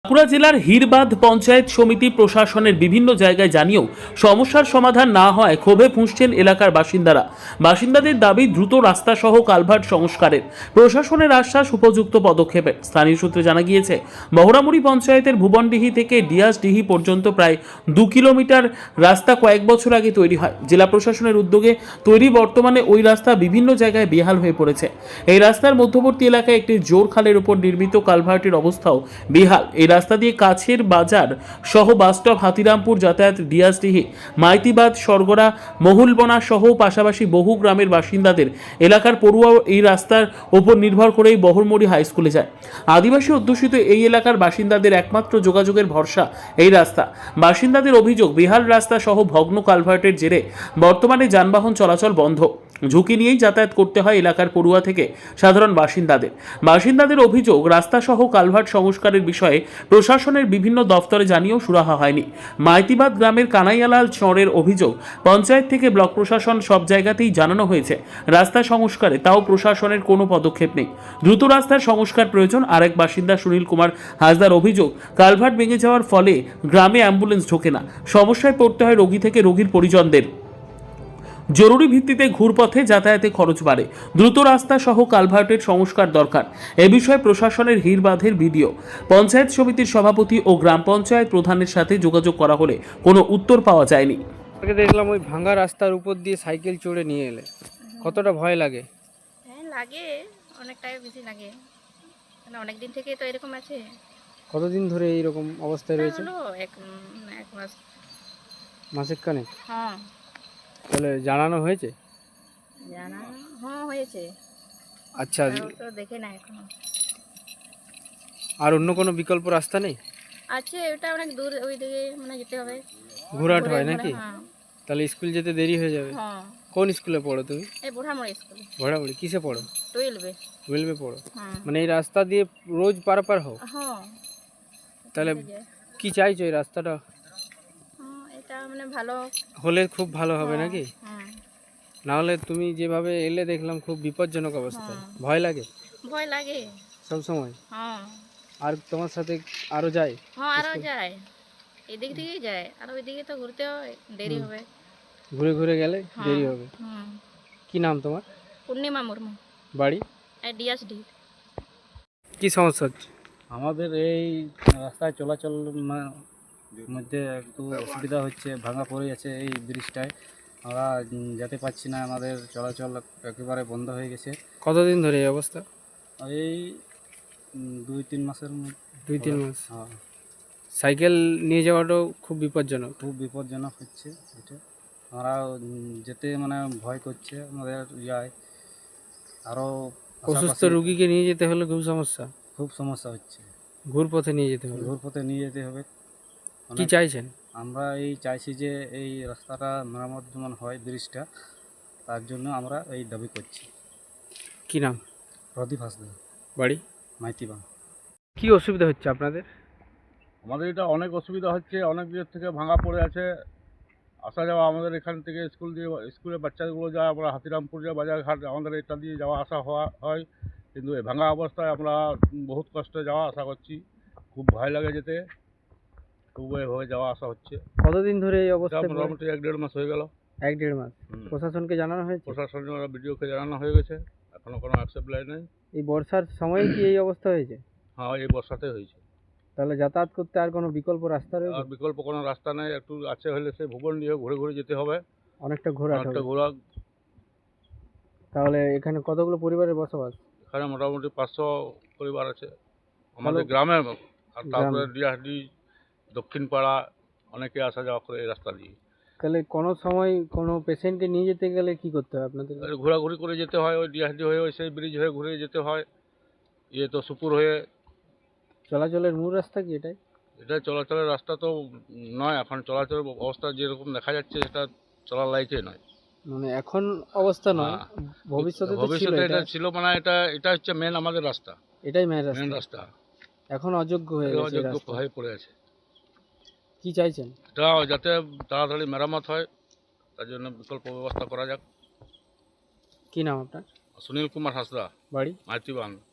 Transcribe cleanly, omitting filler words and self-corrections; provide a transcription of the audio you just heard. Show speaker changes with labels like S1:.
S1: বাঁকুড়া জেলার হিরবাঁধ পঞ্চায়েত সমিতি প্রশাসনের বিভিন্ন জায়গায় জানিয়েও সমস্যার সমাধান না হয় ক্ষোভে ফুঁসছেন এলাকার বাসিন্দাদের দাবি দ্রুত রাস্তা সহ কালভার্ট সংস্কারের। প্রশাসনের আশ্বাস উপযুক্ত পদক্ষেপের। স্থানীয় সূত্রে জানা গিয়েছে, বহরামুড়ি পঞ্চায়েতের ভুবনডিহি থেকে ডিয়াসডিহি পর্যন্ত প্রায় 2 কিলোমিটার রাস্তা কয়েক বছর আগে তৈরি হয়। জেলা প্রশাসনের উদ্যোগে তৈরি বর্তমানে ওই রাস্তা বিভিন্ন জায়গায় বেহাল হয়ে পড়েছে। এই রাস্তার মধ্যবর্তী এলাকায় একটি জোর খালের উপর নির্মিত কালভার্টের অবস্থাও বেহাল। এই রাস্তা দিয়ে কাছের বাজার সহ বাসস্টপ হাতিরামপুর যাতায়াত ডিয়াসডিহি, মাইতিবাদ, সরগড়া, মহুলবনা সহ পাশাপাশি বহু গ্রামের বাসিন্দাদের এলাকার পড়ুয়া এই রাস্তার উপর নির্ভর করেই বহরমুড়ি হাই স্কুলে যায়। আদিবাসী অধ্যুষিত এই এলাকার বাসিন্দাদের একমাত্র যোগাযোগের ভরসা এই রাস্তা। বাসিন্দাদের অভিযোগ, বেহাল রাস্তা সহ ভগ্ন কালভার্টের জেরে বর্তমানে যানবাহন চলাচল বন্ধ। ঝুঁকি নিয়েই যাতায়াত করতে হয় এলাকার পড়ুয়া থেকে সাধারণ বাসিন্দাদের অভিযোগ, রাস্তা সহ কালভার্ট সংস্কারের বিষয়ে প্রশাসনের বিভিন্ন দফতরে জানিয়েও সুরাহা হয়নি। মাইতিবাদ গ্রামের কানাইয়ালাল চরের অভিযোগ, পঞ্চায়েত থেকে ব্লক প্রশাসন সব জায়গাতেই জানানো হয়েছে রাস্তা সংস্কারে, তাও প্রশাসনের কোনো পদক্ষেপ নেই। দ্রুত রাস্তার সংস্কার প্রয়োজন। আরেক বাসিন্দা সুনীল কুমার হাসদার অভিযোগ, কালভার্ট ভেঙে যাওয়ার ফলে গ্রামে অ্যাম্বুলেন্স ঢোকে না, সমস্যায় পড়তে হয় রোগী থেকে রোগীর পরিজনদের। জরুরি ভিত্তিতে ঘুরপথে যাতায়াতে খরচ বাড়ে। দ্রুত রাস্তা সহ কালভার্টের সংস্কার দরকার। এ বিষয়ে প্রশাসনের হিরবাঁধের ভিডিও পঞ্চায়েত সমিতির সভাপতি ও গ্রাম পঞ্চায়েত প্রধানের সাথে যোগাযোগ করা হলে কোনো উত্তর পাওয়া যায়নি।
S2: দেখলাম ওই ভাঙা রাস্তার উপর দিয়ে সাইকেল চড়ে নিয়ে এলে, কতটা ভয় লাগে?
S3: হ্যাঁ লাগে, অনেকটাই বেশি লাগে, মানে অনেক দিন থেকে তো এরকম আছে।
S2: কতদিন ধরে এইরকম অবস্থায় রয়েছে?
S3: হলো এক মাস।
S2: মাসের কানে?
S3: হ্যাঁ।
S2: তাহলে জানানো হয়েছে?
S3: হ্যাঁ হয়েছে।
S2: আচ্ছা,
S3: তো দেখে না এখনো।
S2: আর অন্য কোনো বিকল্প রাস্তা নেই?
S3: আছে, ওটা অনেক দূর, ওই দিকে মানে যেতে হবে।
S2: ঘোরাট হয় নাকি?
S3: হ্যাঁ।
S2: তাহলে স্কুল যেতে দেরি হয়ে যাবে।
S3: হ্যাঁ।
S2: কোন স্কুলে পড়ো তুমি?
S3: এই বুড়ামুড়ি স্কুলে।
S2: ভোড়াবুড়ি কিসে পড়ো?
S3: 12-এ।
S2: 12-এ পড়ো?
S3: হ্যাঁ।
S2: মানে এই রাস্তা দিয়ে রোজ পারাপার হও?
S3: হ্যাঁ।
S2: তাহলে কি চাইছো এই রাস্তাটা?
S3: হ্যাঁ, এটা মানে ভালো
S2: হলে খুব ভালো হবে নাকি?
S3: হ্যাঁ।
S2: না হলে তুমি যেভাবে এলে দেখলাম খুব বিপজ্জনক অবস্থা। ভয় লাগে?
S3: ভয় লাগে
S2: সব সময়?
S3: হ্যাঁ।
S2: আর তোমার সাথে আরো যায়?
S3: হ্যাঁ, আরও যায়, এদিক থেকেই যায়, আর ওইদিকে তো ঘুরতে হয়, দেরি হবে।
S2: ঘুরে ঘুরে গেলে দেরি হবে।
S3: হুম।
S2: কি নাম তোমার?
S3: পূর্ণিমা মুর্মু।
S2: বাড়ি?
S3: ডিএসডি।
S2: কি সমস্যা হচ্ছে?
S4: আমাদের এই রাস্তায় চলাচল মধ্যে একটু অসুবিধা হচ্ছে, ভাঙা পড়ে আছে এই ব্রিজটায়, আমরা যেতে পারছি না, আমাদের চলাচল একেবারে বন্ধ হয়ে গেছে।
S2: কতদিন ধরে এই অবস্থা?
S4: এই 2-3 মাসের মধ্যে।
S2: 2-3 মাস?
S4: হ্যাঁ,
S2: সাইকেল নিয়ে যাওয়াটাও খুব বিপজ্জনক।
S4: খুব বিপজ্জনক হচ্ছে এটা। আমরা যেতে মানে ভয় করছে আমাদের, যায় আরও
S2: অসুস্থ রুগীকে নিয়ে যেতে হলে খুব সমস্যা,
S4: খুব সমস্যা হচ্ছে।
S2: ঘুরপথে নিয়ে যেতে হবে।
S4: ঘুরপথে নিয়ে যেতে হবে।
S2: কি চাইছেন?
S4: আমরা এই চাইছি যে এই রাস্তাটা মেরামত যেমন হয়, ব্রিজটা, তার জন্য আমরা এই দাবি করছি।
S2: কি নাম?
S4: প্রদীপ হাসদা,
S2: বাড়ি?
S4: মাইতিবাং।
S2: কি অসুবিধা হচ্ছে আপনাদের?
S5: আমাদের এটা অনেক অসুবিধা হচ্ছে, অনেক দিক থেকে ভাঙা পড়ে আছে। আসা যাওয়া আমাদের এখান থেকে স্কুলে বাচ্চাগুলো যায়, আমরা হাতিরামপুর যায়, বাজারঘাট, আমাদের এটা দিয়ে যাওয়া আসা হয়। কিন্তু এই ভাঙা অবস্থায় আমরা বহুত কষ্টে যাওয়া আসা করছি, খুব ভয় লাগে যেতে, তবু এভাবে যাওয়া আসা হচ্ছে।
S2: কতদিন ধরে এই
S5: এটা
S2: অবস্থা?
S5: মোটামুটি 1-1.5 মাস হয়ে গেল।
S2: 1-1.5 মাস? প্রশাসনকে জানানো হয়েছে?
S5: প্রশাসনের বিডিওকে জানানো হয়ে গেছে, এখনও কোনো অ্যাকসেপ্ট লাই নেই।
S2: এই বর্ষার সময় কি এই অবস্থা হয়েছে?
S5: হ্যাঁ, এই বর্ষাতে হয়েছে।
S2: তাহলে যাতায়াত করতে আর কোনো বিকল্প রাস্তা
S5: আর
S2: রয়েছে?
S5: বিকল্প কোনো রাস্তা নেই, একটু আছে হলে সে ভুবন নিয়ে ঘুরে ঘুরে যেতে হবে।
S2: অনেকটা ঘোরা
S5: অনেকটা ঘোরা।
S2: তাহলে এখানে কতগুলো পরিবারের বসবাস?
S5: এখানে মোটামুটি 500 পরিবার আছে আমাদের গ্রামে, আর তারপরে ডিআরডি, দক্ষিণ পাড়া, অনেকে আসা যাওয়া করে এই রাস্তা দিয়ে।
S2: তাহলে কোনো সময় কোনো পেশেন্টকে নিয়ে যেতে গেলে কি করতে হয় আপনাদের?
S5: ঘোরাঘুরি করে যেতে হয়, ওই ডিআরডি হয়ে, ওই সেই ব্রিজ হয়ে ঘুরে যেতে হয়, তো সুপুর হয়ে।
S2: চলাচলের মূল রাস্তা কি এটাই?
S5: এটা চলাচলের রাস্তা তো নয়, এখন চলাচলের অবস্থা যেরকম দেখা যাচ্ছে সেটা চলার লাইকে নয়।
S2: মানে এখন অবস্থা নয়, ভবিষ্যতে তো ছিল
S5: এটা
S2: এটা।
S5: ছিল, মানে এটা হচ্ছে মেন আমাদের রাস্তা,
S2: এটাই মেন
S5: মেন
S2: রাস্তা।
S5: রাস্তা।
S2: এখন অযোগ্য হয়ে গেছে এই
S5: অযোগ্য
S2: রাস্তা।
S5: হয়ে পড়ে আছে।
S2: কি চাইছেন?
S5: এটা যাতে তাড়াতাড়ি মেরামত হয়, তার জন্য বিকল্প ব্যবস্থা করা যাক।
S2: কি নাম আপনার?
S5: সুনীল কুমার হাসদা,
S2: বাড়ি?
S5: মাইতিবাং।